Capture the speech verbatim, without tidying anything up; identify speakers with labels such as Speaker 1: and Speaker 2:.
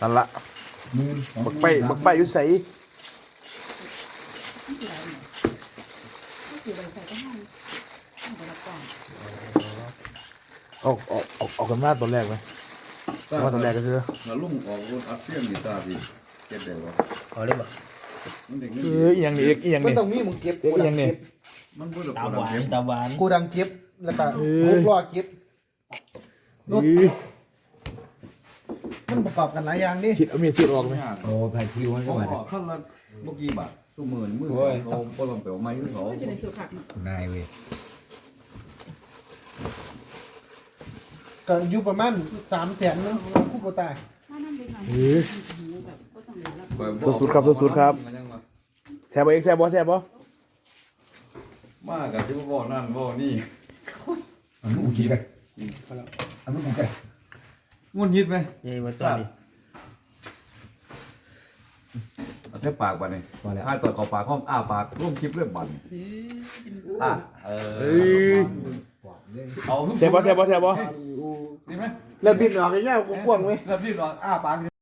Speaker 1: นั่นละบักไปบักไปอยู่ใส่ออกออกออกออกกันมาตอนแรกไหมว่าตอนแรกก็คือ
Speaker 2: มาลุ่มออกรถอัดเสียงดีตาพี่เก็บได้บ่
Speaker 3: เอาได้บ่
Speaker 1: เอออีหยังนี่เอียง
Speaker 4: มัน
Speaker 1: นี่
Speaker 4: ต้องมีมึงเก็บ
Speaker 1: เอียงนี่
Speaker 2: มันบ่ได้
Speaker 3: ตา
Speaker 2: บ่
Speaker 3: หวาน
Speaker 2: ได้
Speaker 3: ตาหวาน
Speaker 4: กูดังเก็บแล้วก็กูรอเก็บรถมันประกอบกันหลายอย่างนี่
Speaker 1: สิเอามีสิออกไหม
Speaker 3: โอ้ไผ่คิวมันก็
Speaker 2: ก็
Speaker 3: มา
Speaker 2: ว่าขั้นละบ่กี่บาทซุมื้อมื้อเขาบ่ลองไปเอาไม้เขา
Speaker 5: จะได้สูตรผักเนาะ
Speaker 3: นายเว้ย
Speaker 4: ก็อยู่ประมาณสามแสนนึงคู่โบตาย
Speaker 5: ถ้านั่นเป็นการหูแบบก็ต้องเรียนรับ
Speaker 1: สุดๆครับสุดๆครับแซ่บบ่เอกแซ่บบ่แซ่บบ่
Speaker 2: มากกับที่บ่นั่นบ่นี่
Speaker 3: อันนู้นกินกันอันนู้นกินกัน
Speaker 2: งุ่นยิดไหม
Speaker 3: เย้มาตอนนี้
Speaker 2: เอาแค่ปากบัดนี่ถ้าตอดเข้าปากห้องอ้าปากร่วมคลิปเรื่องบัดอ่ะเออเอา
Speaker 1: แซ่บบ่แซ่บบ่แซ่บบ่
Speaker 2: ดีไหม
Speaker 4: แล้วบินออกง่ายๆกูกว้างไหม
Speaker 2: แล้วพี่นอนอ้าปาก